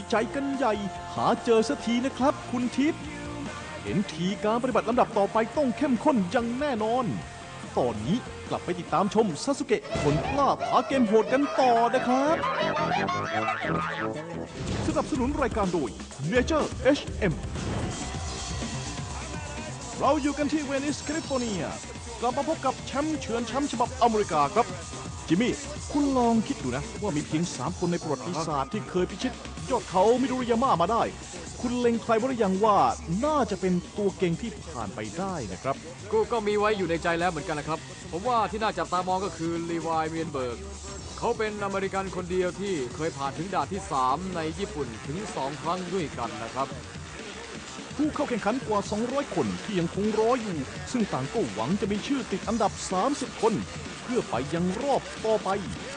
ใจกันใหญ่หาเจอสักทีนะครับคุณทิพย์เห็นทีการปฏิบัติลำดับต่อไปต้องเข้มข้นอย่างแน่นอนตอนนี้กลับไปติดตามชมซาสึเกะผลกล้าท้าเกมโหดกันต่อนะครับสนับสนุนรายการโดย Nature HM เราอยู่กันที่เวนิสแคลิฟอร์เนียกลับมาพบกับแชมป์เฉือนแชมป์ฉบับอเมริกาครับจิมมี่คุณลองคิดดูนะว่ามีเพียง3 คนในประวัติศาสตร์ที่เคยพิชิตยอดเขามิโดริยาม่ามาได้คุณเล็งใครบ้างหรือยังว่าน่าจะเป็นตัวเก่งที่ผ่านไปได้นะครับก็มีไว้อยู่ในใจแล้วเหมือนกันนะครับผมว่าที่น่าจับตามองก็คือลีวายเมียนเบิร์กเขาเป็นอเมริกันคนเดียวที่เคยผ่านถึงด่านที่3ในญี่ปุ่นถึง2 ครั้งด้วยกันนะครับผู้เข้าแข่งขันกว่า200 คนที่ยังคงรออยู่ซึ่งต่างก็หวังจะมีชื่อติดอันดับ30 คนเพื่อไปยังรอบต่อไป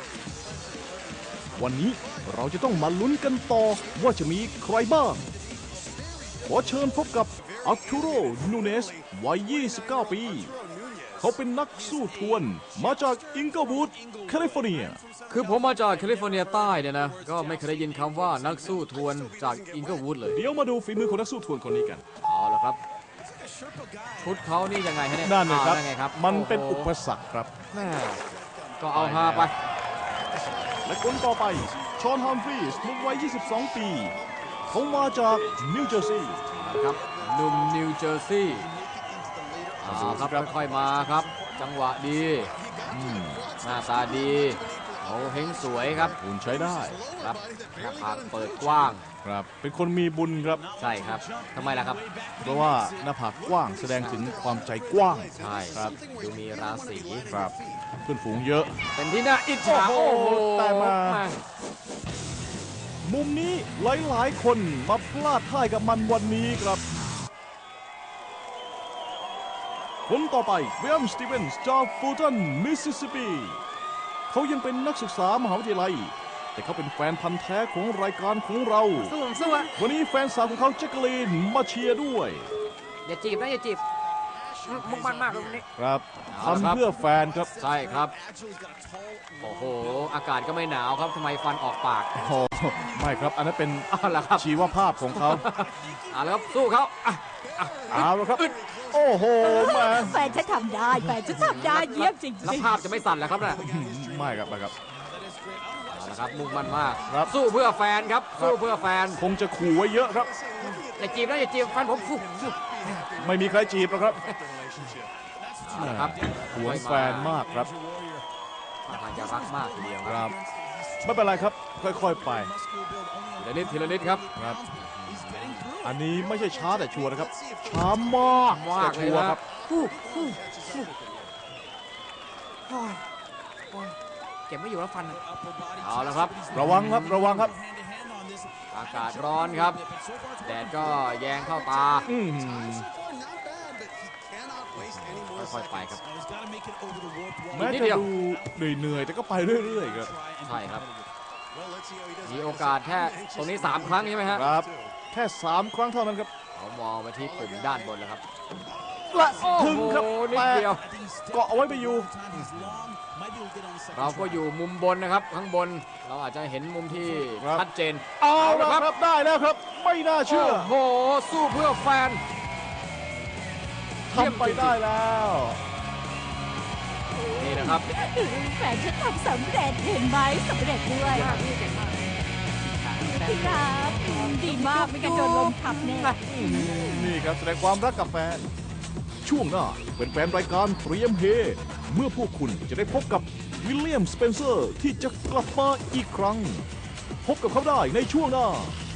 วันนี้เราจะต้องมาลุ้นกันต่อว่าจะมีใครบ้างขอเชิญพบกับอาร์ตูโร นูเนสวัย 29 ปีเขาเป็นนักสู้ทวนมาจากอิงเกิลวูดแคลิฟอร์เนียคือผมมาจากแคลิฟอร์เนียใต้เนี่ยนะก็ไม่เคยได้ยินคำว่านักสู้ทวนจากอิงเกิลวูดเลยเดี๋ยวมาดูฝีมือของนักสู้ทวนคนนี้กันเอาละครับชุดเขานี่ยังไงฮะเนี่ยนั่นเลยครับมันเป็นอุปสรรคครับแม่ก็เอาฮาไปและคนต่อไปชอน ฮัมฟรีส์วัย 22 ปีเขามาจากนิวเจอร์ซีย์ครับหนุ่มนิวเจอร์ซีย์ครับค่อยๆมาครับจังหวะดีหน้าตาดีเขาเฮงสวยครับหุ่นใช้ได้ครับหน้าผากเปิดกว้างครับเป็นคนมีบุญครับใช่ครับทำไมล่ะครับเพราะว่าหน้าผากกว้างแสดงถึงความใจกว้างใช่ครับดูมีราศีครับเพื่อนฝูงเยอะเป็นที่น่าอิจฉาโอ้โหแต่มามุมนี้หลายๆคนมาพลาดท่ายกับมันวันนี้ครับคนต่อไปเวียมสตีเวนส์จากฟูลตันมิสซิสซิปปีเขายังเป็นนักศึกษามหาวิทยาลัยแต่เขาเป็นแฟนพันธ์แท้ของรายการของเราสู้วันนี้แฟนสาวของเขาแจ็คลีนมาเชียร์ด้วยอย่าจีบนะอย่าจีบมุ่งมั่นมากตรงนี้ครับทำเพื่อแฟนครับใช่ครับโอ้โหอากาศก็ไม่หนาวครับทำไมฟันออกปากโอ้ไม่ครับอันนั้นเป็นชีวภาพของเขาแล้วครับสู้เขาเอาแล้วครับโอ้โหมาแฟนฉันทำได้แฟนฉันทำได้เยี่ยมจริงๆแล้วภาพจะไม่สั่นแล้วครับน่ะไม่ครับไม่ครับนะครับมุ่งมั่นมากสู้เพื่อแฟนครับสู้เพื่อแฟนคงจะขู่ไว้เยอะครับอย่าจีบนะอย่าจีบแฟนผมสู้ไม่มีใครจีบหรอกครับนะครับหวงแฟนมากครับอาจจะรักมากทีเดียวครับไม่เป็นไรครับค่อยๆไปทีละนิดครับอันนี้ไม่ใช่ช้าแต่ชัวร์นะครับช้ามากแต่ชัวร์ครับเก็บไม่อยู่แล้วฟันเอาแล้วครับระวังครับระวังครับอากาศร้อนครับแดดก็แยงเข้าตาค่อยๆไปครับแม้จะดูเหนื่อยแต่ก็ไปเรื่อยๆครับใช่ครับมีโอกาสแค่ตรงนี้3 ครั้งใช่ไหมครับแค่3 ครั้งเท่านั้นครับเขามองไปที่ปุ่มด้านบนแล้วครับและถึงครับแต่เกาะเอาไว้ไปอยู่เราก็อยู่มุมบนนะครับข้างบนเราอาจจะเห็นมุมที่ชัดเจนเอาละครับได้แล้วครับไม่น่าเชื่อโอ้โหสู้เพื่อแฟนทำไปได้แล้วนี่นะครับแฟนฉันทำสำเร็จเห็นไหมสำเร็จด้วยพี่ครับดีมากไม่กันโดนลมทับแน่นี่ครับแสดงความรักกับแฟนช่วงหน้าเป็นแฟนรายการเตรียมเฮเมื่อพวกคุณจะได้พบกับวิลเลียม สเปนเซอร์ที่จะกลับมาอีกครั้งพบกับเขาได้ในช่วงหน้า